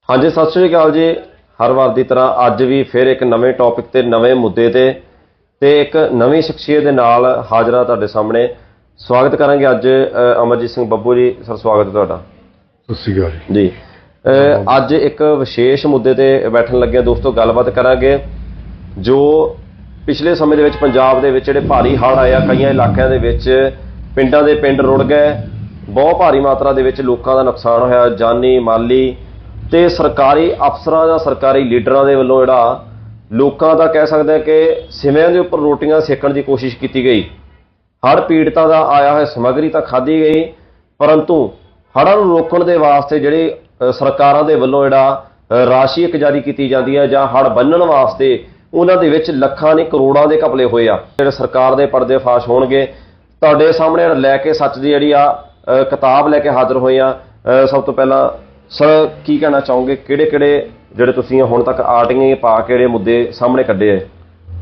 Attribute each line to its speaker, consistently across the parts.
Speaker 1: हाँ जी, सत श्री अकाल जी। हर वार की तरह अज भी फिर एक नवे टॉपिक ते नवे मुद्दे ते एक नवी शख्सियत के नाल हाजरा तुहाडे सामने। स्वागत करांगे अज अमरजीत सिंह बब्बू जी। सर स्वागत है तुहाडा।
Speaker 2: सत श्री अकाल
Speaker 1: जी। अज एक विशेष मुद्दे ते बैठन लगे दोस्तों, गलबात करांगे जो पिछले समय दे विच पंजाब दे विच जिहड़े भारी हड़ आया, कई इलाकों के विच पिंडां दे पिंड रुड़ गए, बहुत भारी मात्रा दे विच लोकां दा नुकसान होया, जानी माली ते सरकारी अफसरां जां सरकारी लीडरां दे वल्लों जिहड़ा लोकां दा कह सकते हैं कि सिविਆਂ ਦੇ ਉੱਪਰ रोटियां सेकण की कोशिश की गई। हड़ पीड़ितां दा आया होया समग्री तां खाधी गई, परंतु हड़ां नूं रोकण दे वास्ते जिहड़ी सरकारां दे वल्लों जिहड़ा राशि एक जारी की जाती है जां हड़ बन्नण वास्ते उन्हां दे विच लखां नहीं करोड़ां दे घपले होए आ। जिहड़े सरकार दे पर्दे फाश होणगे तुहाडे सामने लैके सच दी जिहड़ी आ किताब लैके हाज़र होए आ। सब तो पहला सर की कहना चाहोगे, किहड़े किहड़े ਜਿਹੜੇ ਤੁਸੀਂ ਹੁਣ ਤੱਕ ਆਰਟੀਆਂ ਪਾ ਕੇ ਜਿਹੜੇ ਮੁੱਦੇ ਸਾਹਮਣੇ ਕੱਢੇ ਆ?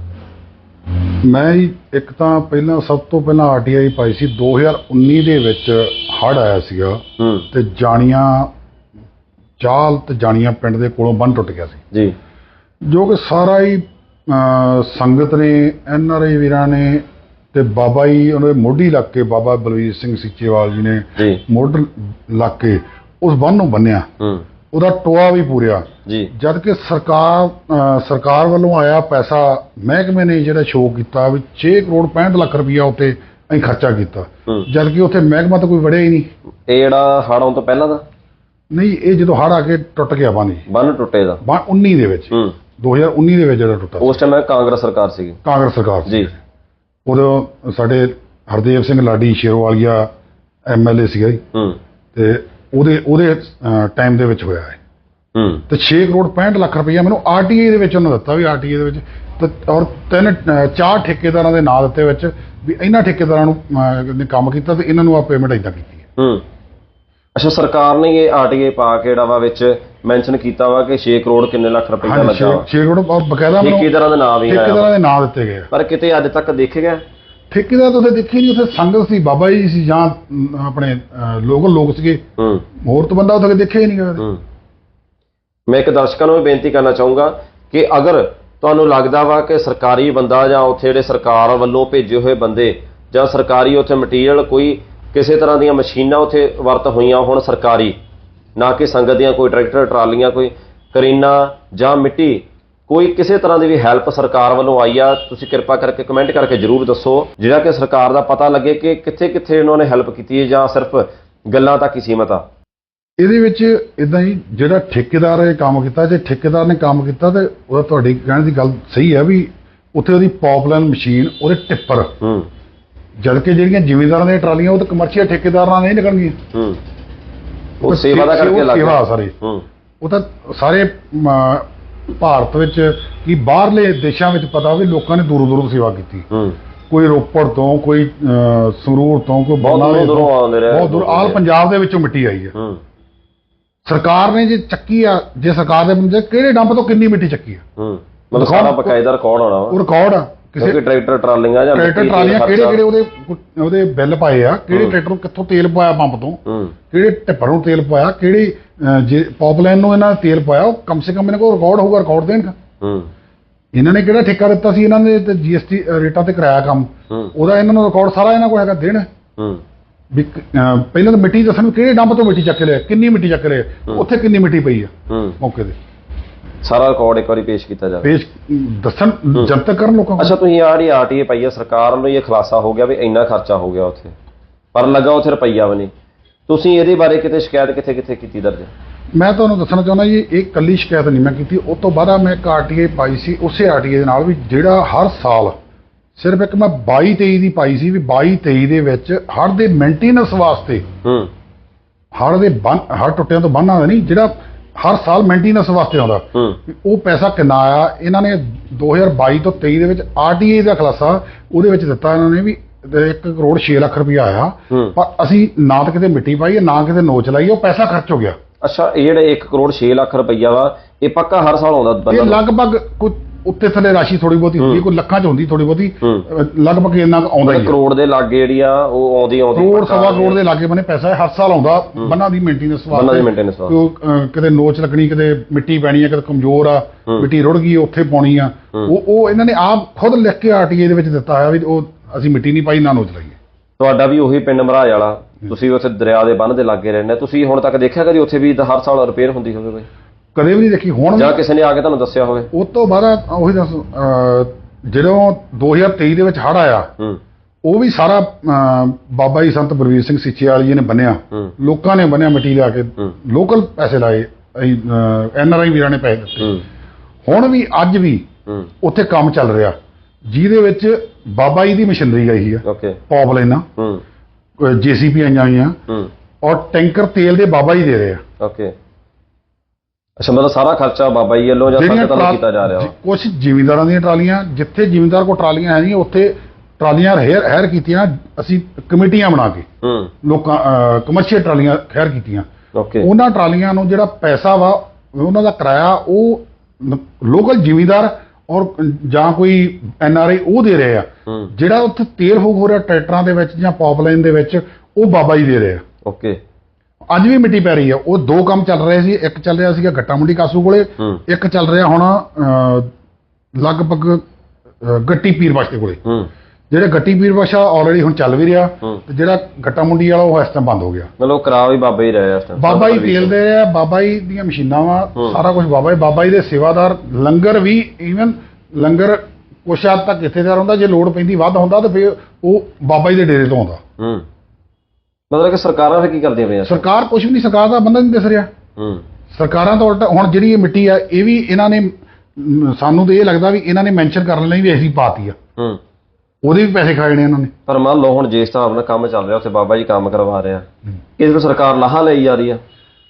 Speaker 2: ਮੈਂ ਇੱਕ ਤਾਂ ਪਹਿਲਾਂ ਸਭ ਤੋਂ ਪਹਿਲਾਂ ਆਰਟੀਆਈ ਪਾਈ ਸੀ 2019 ਦੇ ਵਿੱਚ ਹੜ੍ਹ ਆਇਆ ਸੀਗਾ ਤੇ ਜਾਣੀਆਂ ਚਾਲ ਤੇ ਜਾਣੀਆਂ ਪਿੰਡ ਦੇ ਕੋਲੋਂ ਬੰਨ ਟੁੱਟ ਗਿਆ ਸੀ
Speaker 1: ਜੀ,
Speaker 2: ਜੋ ਕਿ ਸਾਰਾ ਹੀ ਸੰਗਤ ਨੇ, ਐਨਆਰਆਈ ਵੀਰਾਂ ਨੇ ਤੇ ਬਾਬਾ ਜੀ ਉਹਨਾਂ ਦੇ ਮੋਢੀ ਲੱਗ ਕੇ ਬਾਬਾ ਬਲਵੀਰ ਸਿੰਘ ਸੀਚੇਵਾਲ ਜੀ ਨੇ ਮੋਢ ਲੱਗ ਕੇ ਉਸ ਬੰਨ ਨੂੰ ਬੰਨਿਆ, ਉਹਦਾ ਟੋਆ ਵੀ ਪੂਰਿਆ
Speaker 1: ਜੀ।
Speaker 2: ਜਦ ਕਿ ਸਰਕਾਰ ਵੱਲੋਂ ਆਇਆ ਪੈਸਾ ਮਹਿਕਮੇ ਨੇ ਜਿਹੜਾ ਸ਼ੋਅ ਕੀਤਾ ਵੀ 6 ਕਰੋੜ 65 ਲੱਖ ਰੁਪਈਆ ਉੱਤੇ ਅਸੀਂ ਖਰਚਾ ਕੀਤਾ, ਜਦ ਕਿ ਉੱਥੇ ਮਹਿਕਮਾ ਤਾਂ ਕੋਈ ਵੜਿਆ ਹੀ ਨਹੀਂ।
Speaker 1: ਇਹ ਜਿਹੜਾ ਹੜ੍ਹ ਆਉਣ ਤੋਂ ਪਹਿਲਾਂ ਦਾ
Speaker 2: ਨਹੀਂ, ਇਹ ਜਦੋਂ ਹੜ੍ਹ ਆ ਕੇ ਟੁੱਟ ਗਿਆ ਬੰਨ
Speaker 1: ਟੁੱਟੇ ਦਾ
Speaker 2: 19 ਦੇ ਵਿੱਚ 2019 ਦੇ ਵਿੱਚ ਜਿਹੜਾ ਟੁੱਟਾ,
Speaker 1: ਉਸ ਟਾਈਮ ਕਾਂਗਰਸ ਸਰਕਾਰ ਸੀਗੀ।
Speaker 2: ਕਾਂਗਰਸ ਸਰਕਾਰ
Speaker 1: ਜੀ।
Speaker 2: ਉਦੋਂ ਸਾਡੇ ਹਰਦੇਵ ਸਿੰਘ ਲਾਡੀ ਸ਼ੇਰੋਵਾਲੀਆ ਐਮਐਲਏ ਸੀਗਾ ਜੀ, ਤੇ ਉਹਦੇ ਟਾਈਮ ਦੇ ਵਿੱਚ ਹੋਇਆ ਹੈ ਤੇ 6 ਕਰੋੜ 65 ਲੱਖ ਰੁਪਈਆ ਮੈਨੂੰ ਆਰਟੀਆਈ ਦੇ ਵਿੱਚ ਉਹਨਾਂ ਦਿੱਤਾ ਵੀ ਆਰਟੀਆਈ ਦੇ ਵਿੱਚ, ਔਰ 4 ਠੇਕੇਦਾਰਾਂ ਦੇ ਨਾਂ ਦਿੱਤੇ ਵਿੱਚ ਵੀ ਇਹਨਾਂ ਠੇਕੇਦਾਰਾਂ ਨੂੰ ਨੇ ਕੰਮ ਕੀਤਾ ਤੇ ਇਹਨਾਂ ਨੂੰ ਆ ਪੇਮੈਂਟ ਇਦਾਂ ਕੀਤੀ ਹੈ।
Speaker 1: ਅੱਛਾ, ਸਰਕਾਰ ਨੇ ਇਹ ਆਰਟੀਆਈ ਪਾ ਕੇ ਜਿਹੜਾ ਵਾ ਵਿੱਚ ਮੈਂਸ਼ਨ ਕੀਤਾ ਵਾ ਕਿ 6 ਕਰੋੜ ਕਿੰਨੇ ਲੱਖ ਰੁਪਈਆ ਲੱਗਾ ਵਾ।
Speaker 2: 6 ਕਰੋੜ ਔਰ ਬਕਾਇਦਾ
Speaker 1: ਠੇਕੇਦਾਰਾਂ ਦੇ ਨਾਮ ਵੀ
Speaker 2: ਠੇਕੇਦਾਰਾਂ ਦੇ ਨਾਂ ਦਿੱਤੇ ਗਏ,
Speaker 1: ਪਰ ਕਿਤੇ ਅੱਜ ਤੱਕ ਦੇਖੇ ਗਿਆ
Speaker 2: ਠੇਕੇਦਾਰ ਤਾਂ ਉੱਥੇ ਦੇਖੇ ਨਹੀਂ। ਉੱਥੇ ਸੰਗਤ ਸੀ, ਬਾਬਾ ਜੀ ਸੀ ਜਾਂ ਆਪਣੇ ਲੋਕਲ ਲੋਕ ਸੀਗੇ, ਹੋਰ ਤਾਂ ਬੰਦਾ ਉੱਥੇ ਦੇਖਿਆ ਹੀ ਨਹੀਂ ਗਿਆ।
Speaker 1: ਮੈਂ ਇੱਕ ਦਰਸ਼ਕਾਂ ਨੂੰ ਵੀ ਬੇਨਤੀ ਕਰਨਾ ਚਾਹੂੰਗਾ ਕਿ ਅਗਰ ਤੁਹਾਨੂੰ ਲੱਗਦਾ ਵਾ ਕਿ ਸਰਕਾਰੀ ਬੰਦਾ ਜਾਂ ਉੱਥੇ ਜਿਹੜੇ ਸਰਕਾਰ ਵੱਲੋਂ ਭੇਜੇ ਹੋਏ ਬੰਦੇ ਜਾਂ ਸਰਕਾਰੀ ਉੱਥੇ ਮਟੀਰੀਅਲ ਕੋਈ ਕਿਸੇ ਤਰ੍ਹਾਂ ਦੀਆਂ ਮਸ਼ੀਨਾਂ ਉੱਥੇ ਵਰਤ ਹੋਈਆਂ ਹੋਣ ਸਰਕਾਰੀ, ਨਾ ਕਿ ਸੰਗਤ ਦੀਆਂ ਕੋਈ ਟਰੈਕਟਰ ਟਰਾਲੀਆਂ ਕੋਈ ਕਰੀਨਾ ਜਾਂ ਮਿੱਟੀ, ਕੋਈ ਕਿਸੇ ਤਰ੍ਹਾਂ ਦੀ ਵੀ ਹੈਲਪ ਸਰਕਾਰ ਵੱਲੋਂ ਆਈ ਆ, ਤੁਸੀਂ ਕਿਰਪਾ ਕਰਕੇ ਕਮੈਂਟ ਕਰਕੇ ਜ਼ਰੂਰ ਦੱਸੋ, ਜਿਹੜਾ ਕਿ ਸਰਕਾਰ ਦਾ ਪਤਾ ਲੱਗੇ ਕਿ ਕਿੱਥੇ ਕਿੱਥੇ ਉਹਨਾਂ ਨੇ ਹੈਲਪ ਕੀਤੀ ਹੈ ਜਾਂ ਸਿਰਫ ਗੱਲਾਂ ਤੱਕ ਹੀ ਸੀਮਤ ਆ।
Speaker 2: ਇਹਦੇ ਵਿੱਚ ਇਦਾਂ ਹੀ ਜਿਹੜਾ ਠੇਕੇਦਾਰ ਇਹ ਕੰਮ ਕੀਤਾ, ਜੇ ਠੇਕੇਦਾਰ ਨੇ ਕੰਮ ਕੀਤਾ ਤੇ ਉਹਦਾ ਤੁਹਾਡੀ ਕਹਿਣ ਦੀ ਗੱਲ ਸਹੀ ਹੈ ਵੀ ਉੱਥੇ ਉਹਦੀ ਪਾਈਪਲਾਈਨ ਮਸ਼ੀਨ, ਉਹਦੇ ਟਿੱਪਰ, ਜਦ ਕਿ ਜਿਹੜੀਆਂ ਜ਼ਿਮੀਂਦਾਰਾਂ ਦੀਆਂ ਟਰਾਲੀਆਂ ਉਹ ਤਾਂ ਕਮਰਸ਼ੀਅਲ ਠੇਕੇਦਾਰਾਂ ਨਾਲ ਨਹੀਂ ਨਿਕਲਣਗੀਆਂ,
Speaker 1: ਉਹ ਸੇਵਾ ਦਾ ਕਰਕੇ ਲੱਗ
Speaker 2: ਸੇਵਾ ਸਾਰੇ, ਉਹ ਤਾਂ ਸਾਰੇ ਭਾਰਤ ਵਿੱਚ ਕੀ ਬਾਹਰਲੇ ਦੇਸ਼ਾਂ ਵਿੱਚ ਪਤਾ ਵੀ ਲੋਕਾਂ ਨੇ ਦੂਰੋਂ ਦੂਰੋਂ ਸੇਵਾ ਕੀਤੀ, ਕੋਈ ਰੋਪੜ ਤੋਂ, ਕੋਈ ਸੰਗਰੂਰ ਤੋਂ, ਕੋਈ ਬਰਨਾਲੇ ਤੋਂ, ਬਹੁਤ ਦੂਰ ਆਲ ਪੰਜਾਬ ਦੇ ਵਿੱਚੋਂ ਮਿੱਟੀ ਆਈ ਹੈ। ਸਰਕਾਰ ਨੇ ਜੇ ਚੱਕੀ ਆ, ਜੇ ਸਰਕਾਰ ਦੇ ਬੰਦੇ ਕਿਹੜੇ ਡੰਪ ਤੋਂ ਕਿੰਨੀ ਮਿੱਟੀ ਚੱਕੀ ਆ,
Speaker 1: ਮਤਲਬ ਸਾਰਾ ਬਕਾਇਦਾ ਰਿਕਾਰਡ ਹੋਣਾ ਵਾ, ਉਹ
Speaker 2: ਰਿਕਾਰਡ ਆ। ਕਿਸੇ
Speaker 1: ਟਰੈਕਟਰ ਟਰਾਲੀਆਂ ਜਾਂ
Speaker 2: ਕਿਹੜੇ ਉਹਦੇ ਬਿੱਲ ਪਾਏ ਆ, ਕਿਹੜੇ ਟਰੈਕਟਰ ਨੂੰ ਕਿੱਥੋਂ ਤੇਲ ਪਾਇਆ ਪੰਪ ਤੋਂ, ਕਿਹੜੇ ਟਿੱਪਰ ਨੂੰ ਤੇਲ ਪਾਇਆ, ਕਿਹੜੀ ਜੇ ਪਾਈਪਲਾਈਨ ਨੂੰ ਇਹਨਾਂ ਨੇ ਤੇਲ ਪਾਇਆ, ਉਹ ਕਮ ਸੇ ਕਮ ਇਹਨਾਂ ਕੋਲ ਰਿਕਾਰਡ ਹੋਊਗਾ, ਰਿਕਾਰਡ ਦੇਣਗਾ। ਇਹਨਾਂ ਨੇ ਕਿਹੜਾ ਠੇਕਾ ਦਿੱਤਾ ਸੀ, ਇਹਨਾਂ ਨੇ ਤੇ ਜੀਐਸਟੀ ਰੇਟਾਂ ਤੇ ਕਰਾਇਆ ਕੰਮ, ਉਹਦਾ ਇਹਨਾਂ ਨੂੰ ਰਿਕਾਰਡ ਸਾਰਾ ਇਹਨਾਂ ਕੋਲ ਹੈਗਾ, ਦੇਣ ਵੀ ਪਹਿਲਾਂ ਤਾਂ ਮਿੱਟੀ ਦੱਸਣ ਕਿਹੜੇ ਡੰਪ ਤੋਂ ਮਿੱਟੀ ਚੱਕ ਲਿਆ, ਕਿੰਨੀ ਮਿੱਟੀ ਚੱਕ ਲਿਆ, ਉੱਥੇ ਕਿੰਨੀ ਮਿੱਟੀ ਪਈ ਆ ਮੌਕੇ ਤੇ, ਸਾਰਾ
Speaker 1: ਰਿਕਾਰਡ ਇੱਕ ਵਾਰੀ ਪੇਸ਼ ਕੀਤਾ ਜਾਵੇ,
Speaker 2: ਪੇਸ਼ ਦੱਸਣ, ਜਨਤਕ ਕਰਨ ਲੋਕਾਂ ਨੂੰ।
Speaker 1: ਅੱਛਾ, ਤੁਸੀਂ ਆਹ ਜਿਹੜੀ ਆਰਟੀਏ ਪਾਈ ਆ, ਸਰਕਾਰ ਨੂੰ ਇਹ ਖੁਲਾਸਾ ਹੋ ਗਿਆ ਵੀ ਇੰਨਾ ਖਰਚਾ ਹੋ ਗਿਆ ਉੱਥੇ, ਪਰ ਲੱਗਾ ਉੱਥੇ ਰੁਪਈਆ ਵੀ ਨਹੀਂ, ਤੁਸੀਂ ਇਹਦੇ ਬਾਰੇ ਕਿਤੇ ਸ਼ਿਕਾਇਤ ਕਿੱਥੇ ਕਿੱਥੇ ਕੀਤੀ ਦਰਜ?
Speaker 2: ਮੈਂ ਤੁਹਾਨੂੰ ਦੱਸਣਾ ਚਾਹੁੰਦਾ ਜੀ, ਇਹ ਇਕੱਲੀ ਸ਼ਿਕਾਇਤ ਨਹੀਂ ਮੈਂ ਕੀਤੀ, ਉਸ ਤੋਂ ਬਾਅਦ ਮੈਂ ਇੱਕ ਆਰਟੀਏ ਪਾਈ ਸੀ, ਉਸੇ ਆਰਟੀਏ ਦੇ ਨਾਲ ਵੀ ਜਿਹੜਾ ਹਰ ਸਾਲ ਸਿਰਫ ਇੱਕ ਮੈਂ 22-23 ਦੀ ਪਾਈ ਸੀ ਵੀ 22-23 ਦੇ ਵਿੱਚ ਹੜ੍ਹ ਦੇ ਮੇਨਟੇਨੈਂਸ ਵਾਸਤੇ, ਹੜ੍ਹ ਟੁੱਟਿਆਂ ਤੋਂ ਬੰਨ੍ਹਾਂ ਦਾ ਨਹੀਂ, ਜਿਹੜਾ ਹਰ ਸਾਲ ਮੇਨਟੇਨੈਂਸ ਵਾਸਤੇ ਆਉਂਦਾ, ਉਹ ਪੈਸਾ ਕਿੰਨਾ ਆਇਆ। ਇਹਨਾਂ ਨੇ 2022 ਤੋਂ 23 ਦੇ ਵਿੱਚ ਆਰਟੀਏ ਦਾ ਖੁਲਾਸਾ ਉਹਦੇ ਵਿੱਚ ਦਿੱਤਾ ਇਹਨਾਂ ਨੇ ਵੀ 1 ਕਰੋੜ 6 ਲੱਖ ਰੁਪਇਆ ਆਇਆ, ਪਰ ਅਸੀਂ ਨਾ ਤਾਂ ਕਿਤੇ ਮਿੱਟੀ ਪਾਈ ਨਾ ਕਿਤੇ ਨੋਚ ਲਾਈ, ਉਹ ਪੈਸਾ ਖਰਚ ਹੋ ਗਿਆ।
Speaker 1: ਅੱਛਾ, ਇਹ ਜਿਹੜੇ 1 ਕਰੋੜ 6 ਲੱਖ ਰੁਪਈਆ ਵਾ, ਇਹ ਪੱਕਾ ਹਰ ਸਾਲ ਆਉਂਦਾ?
Speaker 2: ਇਹ ਲਗਭਗ ਉੱਤੇ ਥੱਲੇ ਰਾਸ਼ੀ ਥੋੜੀ ਬਹੁਤੀ ਹੁੰਦੀ ਹੈ, ਕੋਈ ਲੱਖਾਂ 'ਚ ਹੁੰਦੀ ਥੋੜੀ ਬਹੁਤੀ, ਲਗਭਗ ਇੰਨਾ ਕੁ ਆਉਂਦਾ ਹੀ ਹੈ।
Speaker 1: ਕਰੋੜ ਦੇ ਲਾਗੇ ਜਿਹੜੀ ਆ ਉਹ ਆਉਂਦੀ
Speaker 2: ਕਰੋੜ ਸਵਾ ਕਰੋੜ ਦੇ ਲਾਗੇ ਬੰਨੇ ਪੈਸਾ ਹਰ ਸਾਲ ਆਉਂਦਾ ਬੰਨਾਂ ਦੀ ਮੇਨਟੇਨੈਂਸ ਵਾਸਤੇ। ਕਿਤੇ ਨੋਚ ਲੱਗਣੀ, ਕਿਤੇ ਮਿੱਟੀ ਪੈਣੀ ਹੈ, ਕਿਤੇ ਕਮਜ਼ੋਰ ਆ, ਮਿੱਟੀ ਰੁੜ ਗਈ ਉੱਥੇ ਪਾਉਣੀ ਆ, ਉਹ ਇਹਨਾਂ ਨੇ ਆਪ ਖੁਦ ਲਿਖ ਕੇ ਆਰਟੀਏ ਦੇ ਵਿੱਚ ਦਿੱਤਾ ਹੋਇਆ ਵੀ ਉਹ ਅਸੀਂ ਮਿੱਟੀ ਨਹੀਂ ਪਾਈ ਨਾ ਨੋਚ ਲਾਈਏ।
Speaker 1: ਤੁਹਾਡਾ ਵੀ ਉਹੀ ਪਿੰਡ ਮਰਾਜ ਵਾਲਾ, ਤੁਸੀਂ ਉੱਥੇ ਦਰਿਆ ਦੇ ਬੰਨ੍ਹ ਦੇ ਲਾਗੇ ਰਹਿੰਦੇ, ਤੁਸੀਂ ਹੁਣ ਤੱਕ ਦੇਖਿਆ ਕਦੀ ਉੱਥੇ ਵੀ ਹਰ ਸਾਲ ਰਿਪੇਅਰ ਹੁੰਦੀ ਹੋਵੇ ਕੋਈ?
Speaker 2: ਕਦੇ ਵੀ ਨਹੀਂ ਦੇਖੀ। ਹੁਣ
Speaker 1: ਜਾਂ ਕਿਸੇ ਨੇ ਆ ਕੇ ਤੁਹਾਨੂੰ ਦੱਸਿਆ ਹੋਵੇ?
Speaker 2: ਉਸ ਤੋਂ ਬਾਅਦ ਉਹੀ ਦੱਸ, ਜਦੋਂ 2023 ਦੇ ਵਿੱਚ ਹੜ੍ਹ ਆਇਆ, ਉਹ ਵੀ ਸਾਰਾ ਬਾਬਾ ਜੀ ਸੰਤ ਬਲਵੀਰ ਸਿੰਘ ਸੀਚੇਵਾਲ ਜੀ ਨੇ ਬੰਨਿਆ, ਲੋਕਾਂ ਨੇ ਬੰਨਿਆ ਮਿੱਟੀ ਲਿਆ ਕੇ, ਲੋਕਲ ਪੈਸੇ ਲਾਏ, NRI ਵੀਰਾਂ ਨੇ ਪੈਸੇ ਦਿੱਤੇ। ਹੁਣ ਵੀ ਅੱਜ ਵੀ ਉੱਥੇ ਕੰਮ ਚੱਲ ਰਿਹਾ ਜਿਹਦੇ ਵਿੱਚ ਬਾਬਾ ਜੀ ਦੀ ਮਸ਼ੀਨਰੀ ਆਈ ਹੈ, ਪੌਪ ਲਾਈਨਾਂ, JCB ਆਈਆਂ ਹੋਈਆਂ, ਔਰ ਟੈਂਕਰ ਤੇਲ ਦੇ ਬਾਬਾ ਜੀ ਦੇ ਰਹੇ ਆ।
Speaker 1: ਅੱਛਾ, ਮਤਲਬ ਸਾਰਾ ਖਰਚਾ ਬਾਬਾ ਜੀ ਵੱਲੋਂ ਜਾਂ ਸੰਗਤ ਵੱਲੋਂ ਕੀਤਾ ਜਾ ਰਿਹਾ?
Speaker 2: ਕੁਝ ਜ਼ਿਮੀਂਦਾਰਾਂ ਦੀਆਂ ਟਰਾਲੀਆਂ, ਜਿੱਥੇ ਜ਼ਿਮੀਂਦਾਰ ਕੋਲ ਟਰਾਲੀਆਂ ਹੈ ਨਹੀਂ ਉੱਥੇ ਟਰਾਲੀਆਂ ਹਾਇਰ ਕੀਤੀਆਂ, ਅਸੀਂ ਕਮੇਟੀਆਂ ਬਣਾ ਕੇ ਲੋਕਾਂ ਕਮਰਸ਼ੀਅਲ ਟਰਾਲੀਆਂ ਹਾਇਰ ਕੀਤੀਆਂ। ਉਹਨਾਂ ਟਰਾਲੀਆਂ ਨੂੰ ਜਿਹੜਾ ਪੈਸਾ ਵਾ ਉਹਨਾਂ ਦਾ ਕਿਰਾਇਆ ਉਹ ਲੋਕਲ ਜ਼ਿਮੀਂਦਾਰ ਔਰ ਜਾਂ ਕੋਈ NRI ਉਹ ਦੇ ਰਹੇ ਆ। ਜਿਹੜਾ ਉੱਥੇ ਤੇਲ ਫੂਕ ਹੋ ਰਿਹਾ ਟਰੈਕਟਰਾਂ ਦੇ ਵਿੱਚ ਜਾਂ ਪਾਈਪਲਾਈਨ ਦੇ ਵਿੱਚ, ਉਹ ਬਾਬਾ ਜੀ ਦੇ ਰਹੇ ਆ। ਅੱਜ ਵੀ ਮਿੱਟੀ ਪੈ ਰਹੀ ਆ। ਉਹ ਦੋ ਕੰਮ ਚੱਲ ਰਹੇ ਸੀ, ਇੱਕ ਚੱਲ ਰਿਹਾ ਸੀਗਾ ਗੱਟਾ ਮੰਡੀ ਕਾਸੂ ਕੋਲੇ, ਇੱਕ ਚੱਲ ਰਿਹਾ ਹੁਣ ਲਗਭਗ ਗੱਟੀ ਪੀਰ ਬਖਸ਼ ਦੇ ਕੋਲੇ। ਜਿਹੜਾ ਗੱਟੀ ਪੀਰ ਬਖਸ਼ ਆਲਰੇਡੀ ਹੁਣ ਚੱਲ ਵੀ ਰਿਹਾ, ਤੇ ਜਿਹੜਾ ਗੱਟਾ ਮੰਡੀ ਵਾਲਾ ਉਹ ਇਸ ਟਾਈਮ ਬੰਦ ਹੋ ਗਿਆ।
Speaker 1: ਮਤਲਬ ਕਰਾ ਵੀ ਬਾਬਾ ਹੀ ਰਹੇ ਆ ਇਸ ਟਾਈਮ,
Speaker 2: ਬਾਬਾ ਜੀ ਤੇਲ ਦੇ ਰਿਹਾ, ਬਾਬਾ ਜੀ ਦੀਆਂ ਮਸ਼ੀਨਾਂ ਵਾ, ਸਾਰਾ ਕੁਝ ਬਾਬਾ ਜੀ ਦੇ ਸੇਵਾਦਾਰ। ਲੰਗਰ ਵੀ ਈਵਨ ਲੰਗਰ ਕੁਛ ਹੱਦ ਤੱਕ ਇੱਥੇ ਦਾ ਹੁੰਦਾ, ਜੇ ਲੋੜ ਪੈਂਦੀ ਵੱਧ ਹੁੰਦਾ ਤਾਂ ਫਿਰ ਉਹ ਬਾਬਾ ਜੀ ਦੇ ਡੇਰੇ ਤੋਂ ਆਉਂਦਾ।
Speaker 1: ਮਤਲਬ ਕਿ ਸਰਕਾਰਾਂ ਫਿਰ ਕੀ ਕਰਦੀਆਂ ਪਈਆਂ?
Speaker 2: ਸਰਕਾਰ ਕੁਝ ਵੀ ਨਹੀਂ, ਸਰਕਾਰ ਦਾ ਬੰਦਾ ਨਹੀਂ ਦਿਸ ਰਿਹਾ। ਸਰਕਾਰਾਂ ਤਾਂ ਉਲਟਾ ਹੁਣ ਜਿਹੜੀ ਇਹ ਮਿੱਟੀ ਆ ਇਹ ਵੀ ਇਹਨਾਂ ਨੇ, ਸਾਨੂੰ ਤਾਂ ਇਹ ਲੱਗਦਾ ਵੀ ਇਹਨਾਂ ਨੇ ਮੈਂਸ਼ਨ ਕਰਨ ਲਈ ਵੀ ਅਸੀਂ ਪਾਤੀ ਆ, ਉਹਦੇ ਵੀ ਪੈਸੇ ਖਾਣੇ ਇਹਨਾਂ ਨੇ। ਪਰ
Speaker 1: ਮੰਨ ਲਓ ਹੁਣ ਜਿਸ ਹਿਸਾਬ ਨਾਲ ਕੰਮ ਚੱਲ ਰਿਹਾ ਉੱਥੇ ਬਾਬਾ ਜੀ ਕੰਮ ਕਰਵਾ ਰਿਹਾ, ਇਸ ਤੋਂ ਸਰਕਾਰ ਲਾਹਾ ਲਈ ਜਾ ਰਹੀ ਆ।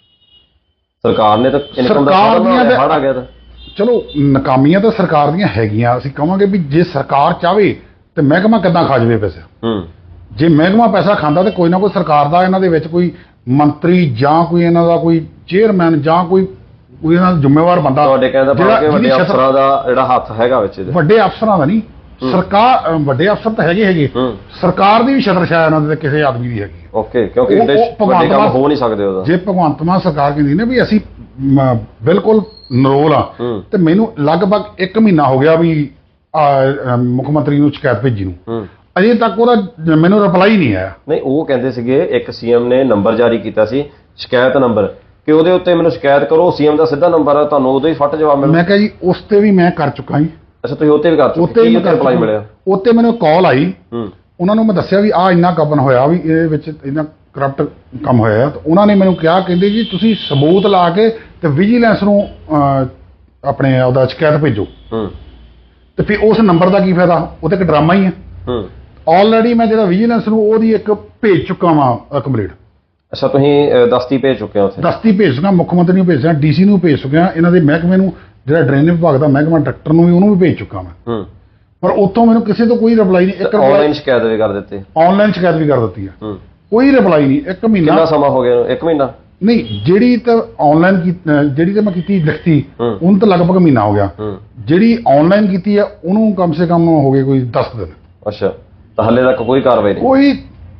Speaker 1: ਸਰਕਾਰ ਨੇ ਤਾਂ ਇਨਕਮ ਦਾ ਹੜ ਆ ਗਿਆ ਤਾਂ
Speaker 2: ਚਲੋ ਨਾਕਾਮੀਆਂ ਤਾਂ ਸਰਕਾਰ ਦੀਆਂ ਹੈਗੀਆਂ। ਅਸੀਂ ਕਹਾਂਗੇ ਵੀ ਜੇ ਸਰਕਾਰ ਚਾਹਵੇ ਤੇ ਮਹਿਕਮਾ ਕਿੱਦਾਂ ਖਾ ਜਾਵੇ ਪੈਸਾ। ਜੇ ਮਹਿਕਮਾ ਪੈਸਾ ਖਾਂਦਾ ਤੇ ਕੋਈ ਨਾ ਕੋਈ ਸਰਕਾਰ ਦਾ ਇਹਨਾਂ ਦੇ ਵਿੱਚ ਕੋਈ ਮੰਤਰੀ ਜਾਂ ਕੋਈ ਇਹਨਾਂ ਦਾ ਕੋਈ ਚੇਅਰਮੈਨ ਜਾਂ ਕੋਈ ਇਹਨਾਂ ਦਾ ਜ਼ਿੰਮੇਵਾਰ ਬੰਦਾ,
Speaker 1: ਤੁਹਾਡੇ ਕਹਿੰਦਾ ਕਿ ਵੱਡੇ ਅਫਸਰਾਂ ਦਾ ਜਿਹੜਾ ਹੱਥ ਹੈਗਾ ਵਿੱਚ।
Speaker 2: ਵੱਡੇ ਅਫਸਰਾਂ ਦਾ ਨਹੀਂ, ਸਰਕਾਰ, ਵੱਡੇ ਅਫਸਰ ਤਾਂ ਹੈਗੇ, ਸਰਕਾਰ ਦੀ ਵੀ ਛਤਰਛਾਇਆ ਇਹਨਾਂ ਦੇ ਕਿਸੇ ਆਦਮੀ ਦੀ ਹੈਗੀ।
Speaker 1: ਕਿਉਂਕਿ ਵੱਡੇ ਕੰਮ ਹੋ ਨਹੀਂ ਸਕਦੇ ਉਹਦਾ।
Speaker 2: ਜੇ ਭਗਵੰਤ ਮਾਨ ਸਰਕਾਰ ਕਹਿੰਦੀ ਨੇ ਵੀ ਅਸੀਂ ਬਿਲਕੁਲ ਨਰੋਲ ਆ, ਤੇ ਮੈਨੂੰ ਲਗਭਗ 1 ਮਹੀਨਾ ਹੋ ਗਿਆ ਵੀ ਮੁੱਖ ਮੰਤਰੀ ਨੂੰ ਸ਼ਿਕਾਇਤ ਭੇਜੀ ਨੂੰ, ਅਜੇ ਤੱਕ ਉਹਦਾ ਮੈਨੂੰ ਰਿਪਲਾਈ ਨਹੀਂ ਆਇਆ।
Speaker 1: ਨਹੀਂ, ਉਹ ਕਹਿੰਦੇ ਸੀਗੇ ਇੱਕ CM ਨੇ ਨੰਬਰ ਜਾਰੀ ਕੀਤਾ ਸੀ, ਸ਼ਿਕਾਇਤ ਨੰਬਰ, ਕਿ ਉਹਦੇ ਉੱਤੇ ਮੈਨੂੰ ਸ਼ਿਕਾਇਤ ਕਰੋ, CM ਦਾ ਸਿੱਧਾ ਨੰਬਰ ਆ, ਤੁਹਾਨੂੰ ਉਦੋਂ ਹੀ ਫੱਟ ਜਵਾਬ ਮਿਲੂ।
Speaker 2: ਮੈਂ ਕਿਹਾ ਜੀ ਉਸ ਤੇ ਵੀ ਮੈਂ ਕਰ ਚੁੱਕਾ ਜੀ।
Speaker 1: ਅੱਛਾ, ਤੁਸੀਂ ਉੱਤੇ ਵੀ ਕਰ ਚੁੱਕੇ?
Speaker 2: ਉੱਤੇ ਰਿਪਲਾਈ ਮਿਲਿਆ? ਉੱਤੇ ਮੈਨੂੰ ਕਾਲ ਆਈ, ਉਹਨਾਂ ਨੂੰ ਮੈਂ ਦੱਸਿਆ ਵੀ ਆ ਇੰਨਾ ਕਬਨ ਹੋਇਆ, ਵੀ ਇਹਦੇ ਵਿੱਚ ਇੰਨਾ ਕਰਪਟ ਕੰਮ ਹੋਇਆ। ਤਾਂ ਉਹਨਾਂ ਨੇ ਮੈਨੂੰ ਕਿਹਾ, ਕਹਿੰਦੇ ਜੀ ਤੁਸੀਂ ਸਬੂਤ ਲਾ ਕੇ ਤੇ ਵਿਜੀਲੈਂਸ ਨੂੰ ਆਪਣੇ ਉਹਦਾ ਸ਼ਿਕਾਇਤ ਭੇਜੋ। ਤੇ ਫਿਰ ਉਸ ਨੰਬਰ ਦਾ ਕੀ ਫਾਇਦਾ? ਉਹ ਤਾਂ ਇੱਕ ਡਰਾਮਾ ਹੀ ਹੈ। ਆਲਰੇਡੀ ਮੈਂ ਜਿਹੜਾ ਵਿਜੀਲੈਂਸ ਨੂੰ ਉਹਦੀ ਇੱਕ ਭੇਜ ਚੁੱਕਾ ਵਾਂ ਕੰਪਲੀਟ।
Speaker 1: ਅੱਛਾ, ਤੁਸੀਂ ਦਸਤੀ ਭੇਜ ਚੁੱਕੇ ਹੋ ਉੱਥੇ?
Speaker 2: ਦਸਤੀ ਭੇਜ ਚੁੱਕਾ, ਮੁੱਖ ਮੰਤਰੀ ਨੂੰ ਭੇਜ ਚੁੱਕਾ, DC ਨੂੰ ਭੇਜ ਚੁੱਕਿਆ, ਇਹਨਾਂ ਦੇ ਮਹਿਕਮੇ ਨੂੰ, ਜਿਹੜਾ ਡਰੇਨੇਜ ਵਿਭਾਗ ਦਾ ਮਹਿਕਮਾ ਡਾਇਰੈਕਟਰ ਨੂੰ ਵੀ ਉਹਨੂੰ ਵੀ ਭੇਜ ਚੁੱਕਾ ਮੈਂ। ਪਰ ਉੱਥੋਂ ਮੈਨੂੰ ਕਿਸੇ ਤੋਂ ਕੋਈ ਰਿਪਲਾਈ ਨਹੀਂ। ਇੱਕ
Speaker 1: ਆਨਲਾਈਨ ਸ਼ਿਕਾਇਤ ਵੀ ਕਰ ਦਿੱਤੀ?
Speaker 2: ਆਨਲਾਈਨ ਸ਼ਿਕਾਇਤ ਵੀ ਕਰ ਦਿੱਤੀ ਆ, ਕੋਈ ਰਿਪਲਾਈ ਨਹੀਂ। 1 ਮਹੀਨਾ।
Speaker 1: ਕਿੰਨਾ ਸਮਾਂ ਹੋ ਗਿਆ? 1 ਮਹੀਨਾ
Speaker 2: ਨਹੀਂ, ਜਿਹੜੀ ਤਾਂ ਆਨਲਾਈਨ ਜਿਹੜੀ ਤਾਂ ਮੈਂ ਕੀਤੀ ਲਿਖਤੀ, ਉਹਨੂੰ ਤਾਂ ਲਗਭਗ ਮਹੀਨਾ ਹੋ ਗਿਆ। ਜਿਹੜੀ ਆਨਲਾਈਨ ਕੀਤੀ ਆ ਉਹਨੂੰ ਕਮ ਸੇ ਕਮ ਹੋ ਗਏ ਕੋਈ 10 ਦਿਨ।
Speaker 1: ਅੱਛਾ, ਤਾਂ ਹਾਲੇ ਤੱਕ ਕੋਈ ਕਾਰਵਾਈ ਨਹੀਂ?
Speaker 2: ਕੋਈ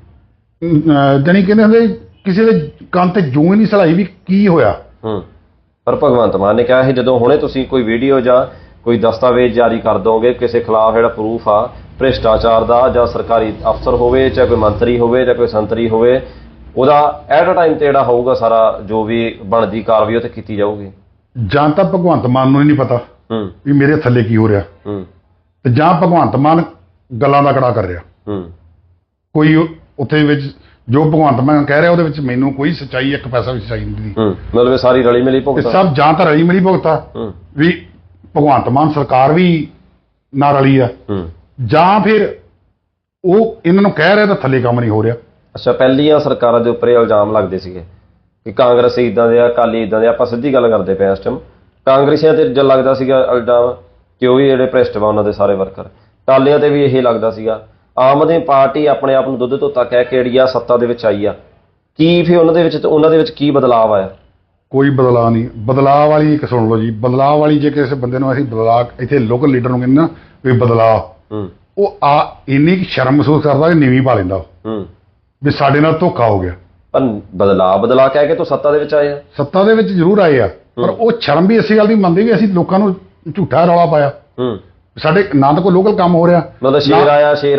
Speaker 2: ਜਾਨੀ ਕਹਿੰਦੇ ਹੁੰਦੇ ਕਿਸੇ ਦੇ ਕੰਨ ਤੇ ਜੂੰ ਹੀ ਨਹੀਂ ਸਲਾਈ ਵੀ ਕੀ ਹੋਇਆ।
Speaker 1: ਪਰ ਭਗਵੰਤ ਮਾਨ ਨੇ ਕਿਹਾ ਸੀ ਜਦੋਂ ਹੁਣੇ ਤੁਸੀਂ ਕੋਈ ਵੀਡੀਓ ਜਾਂ ਕੋਈ ਦਸਤਾਵੇਜ਼ ਜਾਰੀ ਕਰ ਦੋਗੇ ਕਿਸੇ ਖਿਲਾਫ ਜਿਹੜਾ ਪ੍ਰੂਫ ਆ ਭ੍ਰਿਸ਼ਟਾਚਾਰ ਦਾ, ਜਾਂ ਸਰਕਾਰੀ ਅਫਸਰ ਹੋਵੇ, ਚਾਹੇ ਕੋਈ ਮੰਤਰੀ ਹੋਵੇ ਜਾਂ ਕੋਈ ਸੰਤਰੀ ਹੋਵੇ, ਉਹਦਾ ਐਟ ਅ ਟਾਈਮ ਤੇ ਜਿਹੜਾ ਹੋਊਗਾ ਸਾਰਾ ਜੋ ਵੀ ਬਣਦੀ ਕਾਰਵਾਈ ਉਹ ਤੇ ਕੀਤੀ ਜਾਊਗੀ। ਜਾਂ ਤਾਂ ਭਗਵੰਤ ਮਾਨ ਨੂੰ ਹੀ ਨਹੀਂ ਪਤਾ ਵੀ ਮੇਰੇ ਥੱਲੇ ਕੀ ਹੋ ਰਿਹਾ, ਤੇ ਜਾਂ ਭਗਵੰਤ ਮਾਨ ਗੱਲਾਂ ਦਾ ਕੜਾ ਕਰ ਰਿਹਾ। ਕੋਈ ਉੱਥੇ ਵਿੱਚ ਜੋ ਭਗਵੰਤ ਮਾਨ ਕਹਿ ਰਿਹਾ ਉਹਦੇ ਵਿੱਚ ਮੈਨੂੰ ਕੋਈ ਸੱਚਾਈ, ਇੱਕ ਪੈਸਾ ਵੀ ਸੱਚਾਈ ਨਹੀਂ ਦੀ। ਮਤਲਬ ਸਾਰੀ ਰਲੀ ਮਿਲੀ ਭੁਗਤਾ ਸਭ, ਜਾਂ ਤਾਂ ਰਲੀ ਮਿਲੀ ਭੁਗਤਾ ਵੀ ਭਗਵੰਤ ਮਾਨ ਸਰਕਾਰ ਵੀ ਨਾ ਰਲੀ ਆ, ਜਾਂ ਫਿਰ ਉਹ ਇਹਨਾਂ ਨੂੰ ਕਹਿ ਰਿਹਾ ਤਾਂ ਥੱਲੇ ਕੰਮ ਨਹੀਂ ਹੋ ਰਿਹਾ। ਅੱਛਾ, ਪਹਿਲੀਆਂ ਸਰਕਾਰਾਂ ਦੇ ਉੱਪਰ ਇਹ ਇਲਜ਼ਾਮ ਲੱਗਦੇ ਸੀਗੇ ਕਿ ਕਾਂਗਰਸ ਇਦਾਂ ਦੇ ਆ, ਅਕਾਲੀ ਇਦਾਂ ਦੇ। ਆਪਾਂ ਸਿੱਧੀ ਗੱਲ ਕਰਦੇ ਪਏ ਇਸ ਟਾਈਮ। ਕਾਂਗਰਸੀਆਂ ਤੇ ਜਦ ਲੱਗਦਾ ਸੀਗਾ ਇਲਜ਼ਾਮ ਕਿ ਉਹ ਵੀ ਜਿਹੜੇ ਭ੍ਰਿਸ਼ਟ ਵਾ ਉਹਨਾਂ ਦੇ ਸਾਰੇ ਵਰਕਰ। ਅਕਾਲੀਆਂ ਤੇ ਵੀ ਇਹ ਲੱਗਦਾ ਸੀਗਾ। ਆਮ ਆਦਮੀ ਪਾਰਟੀ ਆਪਣੇ ਆਪ ਨੂੰ ਦੁੱਧ ਧੋਤਾ ਕਹਿ ਕੇ ਜਿਹੜੀ ਆ ਸੱਤਾ ਦੇ ਵਿੱਚ ਆਈ ਆ, ਕੀ ਫਿਰ ਉਹਨਾਂ ਦੇ ਵਿੱਚ ਕੀ ਬਦਲਾਅ ਆਇਆ?
Speaker 2: ਕੋਈ ਬਦਲਾਅ ਨਹੀਂ। ਬਦਲਾਅ ਵਾਲੀ ਇੱਕ ਸੁਣ ਲਓ ਜੀ, ਬਦਲਾਅ ਵਾਲੀ ਜੇ ਕਿਸੇ ਬੰਦੇ ਨੂੰ ਅਸੀਂ ਬਦਲਾਅ ਇੱਥੇ ਲੋਕਲ ਲੀਡਰ ਨੂੰ ਕਹਿੰਦੇ ਨਾ ਵੀ ਬਦਲਾਅ, ਉਹ ਇੰਨੀ ਕੁ ਸ਼ਰਮ ਮਹਿਸੂਸ ਕਰਦਾ ਕਿ ਨੀਵੀਂ ਪਾ ਲੈਂਦਾ ਵੀ ਸਾਡੇ ਨਾਲ ਧੋਖਾ ਹੋ ਗਿਆ।
Speaker 1: ਪਰ ਬਦਲਾ ਕਹਿ ਕੇ ਤੂੰ ਸੱਤਾ ਦੇ ਵਿੱਚ ਆਏ ਆ।
Speaker 2: ਸੱਤਾ ਦੇ ਵਿੱਚ ਜ਼ਰੂਰ ਆਏ ਆ, ਪਰ ਉਹ ਸ਼ਰਮ ਵੀ ਇਸੇ ਗੱਲ ਦੀ ਮੰਨਦੇ ਵੀ ਅਸੀਂ ਲੋਕਾਂ ਨੂੰ ਝੂਠਾ ਰੌਲਾ ਪਾਇਆ। ਸਾਡੇ ਨਾ ਤਾਂ ਕੋਈ ਲੋਕਲ ਕੰਮ ਹੋ ਰਿਹਾ,
Speaker 1: ਮਤਲਬ ਸ਼ੇਰ ਆਇਆ ਬਸ।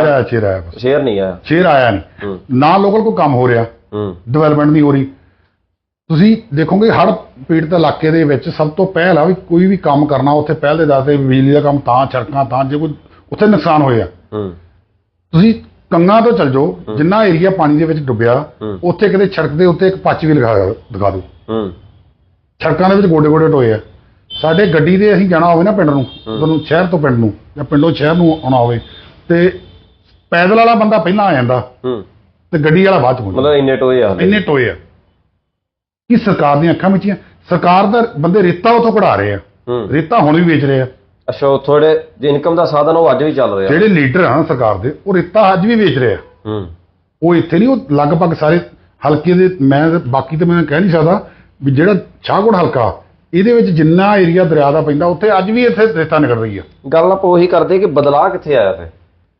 Speaker 1: ਸ਼ੇਰ ਨਹੀਂ ਆਇਆ,
Speaker 2: ਸ਼ੇਰ ਆਇਆ ਨਹੀਂ, ਨਾ ਲੋਕਲ ਕੋਈ ਕੰਮ ਹੋ ਰਿਹਾ, ਡਿਵੈਲਪਮੈਂਟ ਨਹੀਂ ਹੋ ਰਹੀ। ਤੁਸੀਂ ਦੇਖੋਗੇ ਹੜ੍ਹ ਪੀੜਤ ਇਲਾਕੇ ਦੇ ਵਿੱਚ ਸਭ ਤੋਂ ਪਹਿਲਾਂ ਵੀ ਕੋਈ ਵੀ ਕੰਮ ਕਰਨਾ ਉੱਥੇ ਪਹਿਲ ਦੇ ਦਾਤੇ ਬਿਜਲੀ ਦਾ ਕੰਮ, ਤਾਂ ਸੜਕਾਂ, ਤਾਂ ਜੇ ਕੋਈ ਉੱਥੇ ਨੁਕਸਾਨ ਹੋਇਆ। ਤੁਸੀਂ ਕੰਗਾਂ ਤੋਂ ਚੱਲ ਜਾਓ, ਜਿੰਨਾ ਏਰੀਆ ਪਾਣੀ ਦੇ ਵਿੱਚ ਡੁੱਬਿਆ, ਉੱਥੇ ਕਿਤੇ ਸੜਕ ਦੇ ਉੱਤੇ ਇੱਕ ਪੱਚ ਵੀ ਦਿਖਾ ਦਿਓ। ਸੜਕਾਂ ਦੇ ਵਿੱਚ ਗੋਡੇ ਗੋਡੇ ਟੋਏ ਆ। ਸਾਡੇ ਗੱਡੀ ਦੇ ਅਸੀਂ ਜਾਣਾ ਹੋਵੇ ਨਾ ਪਿੰਡ ਨੂੰ, ਤੁਹਾਨੂੰ ਸ਼ਹਿਰ ਤੋਂ ਪਿੰਡ ਨੂੰ ਜਾਂ ਪਿੰਡੋਂ ਸ਼ਹਿਰ ਨੂੰ ਆਉਣਾ ਹੋਵੇ, ਤੇ ਪੈਦਲ ਵਾਲਾ ਬੰਦਾ ਪਹਿਲਾਂ ਆ ਜਾਂਦਾ ਤੇ ਗੱਡੀ ਵਾਲਾ ਬਾਅਦ ਚ ਹੁੰਦਾ।
Speaker 1: ਮਤਲਬ ਇੰਨੇ ਟੋਏ ਆ
Speaker 2: ਕਿ ਸਰਕਾਰ ਦੀਆਂ ਅੱਖਾਂ ਵਿੱਚ ਸਰਕਾਰ ਦਾ ਬੰਦੇ ਰੇਤਾ ਉਥੋਂ ਕਢਾ ਰਹੇ ਆ, ਰੇਤਾ ਹੁਣ ਵੀ ਵੇਚ ਰਹੇ ਆ।
Speaker 1: ਅੱਛਾ, ਥੋੜੇ ਇਨਕਮ ਦਾ ਸਾਧਨ ਉਹ ਅੱਜ ਵੀ ਚੱਲ ਰਿਹਾ।
Speaker 2: ਜਿਹੜੇ ਲੀਡਰ ਆ ਸਰਕਾਰ ਦੇ, ਉਹ ਰੇਤਾ ਅੱਜ ਵੀ ਵੇਚ ਰਹੇ ਆ। ਉਹ ਇੱਥੇ ਨਹੀਂ, ਉਹ ਲਗਭਗ ਸਾਰੇ ਹਲਕੇ ਦੇ, ਮੈਂ ਬਾਕੀ ਤਾਂ ਮੈਂ ਕਹਿ ਨਹੀਂ ਸਕਦਾ ਵੀ ਜਿਹੜਾ ਸ਼ਾਹਕੋਟ ਹਲਕਾ ਇਹਦੇ ਵਿੱਚ ਜਿੰਨਾ ਏਰੀਆ ਦਰਿਆ ਦਾ ਪੈਂਦਾ, ਉੱਥੇ ਅੱਜ ਵੀ ਇੱਥੇ ਰੇਤਾ ਨਿਕਲ ਰਹੀ ਆ।
Speaker 1: ਗੱਲ ਆਪਾਂ ਉਹੀ ਕਰਦੇ ਕਿ ਬਦਲਾਅ ਕਿੱਥੇ ਆਇਆ ਫਿਰ?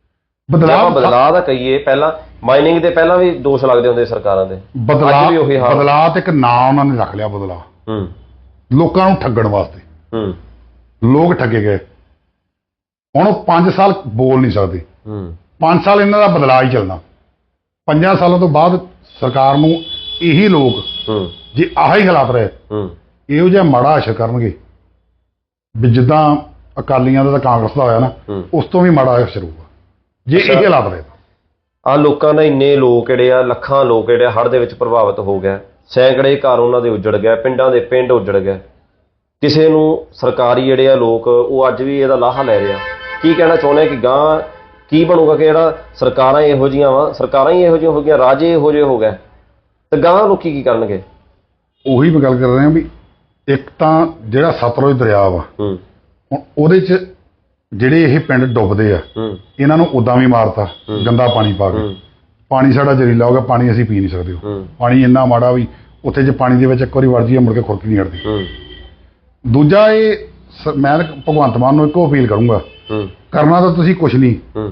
Speaker 1: ਬਦਲਾਅ ਦਾ ਕਹੀਏ, ਪਹਿਲਾਂ ਮਾਈਨਿੰਗ ਦੇ ਪਹਿਲਾਂ ਵੀ ਦੋਸ਼ ਲੱਗਦੇ ਹੁੰਦੇ ਸਰਕਾਰਾਂ ਦੇ।
Speaker 2: ਬਦਲਾਅ ਤੇ ਇੱਕ ਨਾਂ ਉਹਨਾਂ ਨੇ ਰੱਖ ਲਿਆ, ਬਦਲਾਅ, ਲੋਕਾਂ ਨੂੰ ਠੱਗਣ ਵਾਸਤੇ। ਲੋਕ ਠੱਗੇ ਗਏ। ਹੁਣ ਉਹ 5 ਸਾਲ ਬੋਲ ਨਹੀਂ ਸਕਦੇ। 5 ਸਾਲ ਇਹਨਾਂ ਦਾ ਬਦਲਾਅ ਹੀ ਚੱਲਣਾ। 5 ਸਾਲਾਂ ਤੋਂ ਬਾਅਦ ਸਰਕਾਰ ਨੂੰ ਇਹੀ ਲੋਕ ਜੇ ਆਹੀ ਹਾਲਾਤ ਰਹੇ, ਇਹੋ ਜਿਹਾ ਮਾੜਾ ਅਸਰ ਕਰਨਗੇ ਵੀ ਜਿੱਦਾਂ ਅਕਾਲੀਆਂ ਦਾ ਤਾਂ ਕਾਂਗਰਸ ਦਾ ਹੋਇਆ ਨਾ, ਉਸ ਤੋਂ ਵੀ ਮਾੜਾ ਅਸਰ ਹੋਊਗਾ ਜੇ ਇਹ ਹਾਲਾਤ ਰਹੇ।
Speaker 1: ਆ ਲੋਕਾਂ ਦਾ ਇੰਨੇ ਲੋਕ ਜਿਹੜੇ ਆ, ਲੱਖਾਂ ਲੋਕ ਜਿਹੜੇ ਹੜ੍ਹ ਦੇ ਵਿੱਚ ਪ੍ਰਭਾਵਿਤ ਹੋ ਗਏ, ਸੈਂਕੜੇ ਘਰ ਉਹਨਾਂ ਦੇ ਉੱਜੜ ਗਏ, ਪਿੰਡਾਂ ਦੇ ਪਿੰਡ ਉੱਜੜ ਗਏ। ਕਿਸੇ ਨੂੰ ਸਰਕਾਰੀ ਜਿਹੜੇ ਆ ਲੋਕ, ਉਹ ਅੱਜ ਵੀ ਇਹਦਾ ਲਾਹਾ ਲੈ ਰਹੇ ਆ। ਕੀ ਕਹਿਣਾ ਚਾਹੁੰਦੇ ਕਿ ਗਾਂ ਕੀ ਬਣੂਗਾ? ਕਿ ਜਿਹੜਾ ਸਰਕਾਰਾਂ ਇਹੋ ਜਿਹੀਆਂ ਵਾ, ਸਰਕਾਰਾਂ ਹੀ ਇਹੋ ਜਿਹੀਆਂ ਹੋ ਗਈਆਂ, ਰਾਜੇ ਇਹੋ ਜਿਹੇ ਹੋ ਗਏ, ਤੇ ਗਾਂ ਲੋਕੀ ਕੀ ਕਰਨਗੇ?
Speaker 2: ਉਹੀ ਮੈਂ ਗੱਲ ਕਰ ਰਿਹਾ ਵੀ ਇੱਕ ਤਾਂ ਜਿਹੜਾ ਸਤਲੁਜ ਦਰਿਆ ਵਾ, ਹੁਣ ਉਹਦੇ 'ਚ ਜਿਹੜੇ ਇਹ ਪਿੰਡ ਡੁੱਬਦੇ ਆ, ਇਹਨਾਂ ਨੂੰ ਉਦਾਂ ਵੀ ਮਾਰਤਾ ਗੰਦਾ ਪਾਣੀ ਪਾ ਕੇ। ਪਾਣੀ ਸਾਡਾ ਜ਼ਹਿਰੀਲਾ ਹੋ ਗਿਆ, ਪਾਣੀ ਅਸੀਂ ਪੀ ਨਹੀਂ ਸਕਦੇ। ਪਾਣੀ ਇੰਨਾ ਮਾੜਾ ਵੀ ਉੱਥੇ ਜੇ ਪਾਣੀ ਦੇ ਵਿੱਚ ਇੱਕ ਵਾਰੀ ਵੜ ਜਾਈਏ ਮੁੜ ਕੇ ਖੁਰਕ ਨਹੀਂ ਹਟਦੀ। ਦੂਜਾ, ਇਹ ਮੈਂ ਭਗਵੰਤ ਮਾਨ ਨੂੰ ਇੱਕੋ ਅਪੀਲ ਕਰੂੰਗਾ, ਕਰਨਾ ਤਾਂ ਤੁਸੀਂ ਕੁਛ ਨਹੀਂ,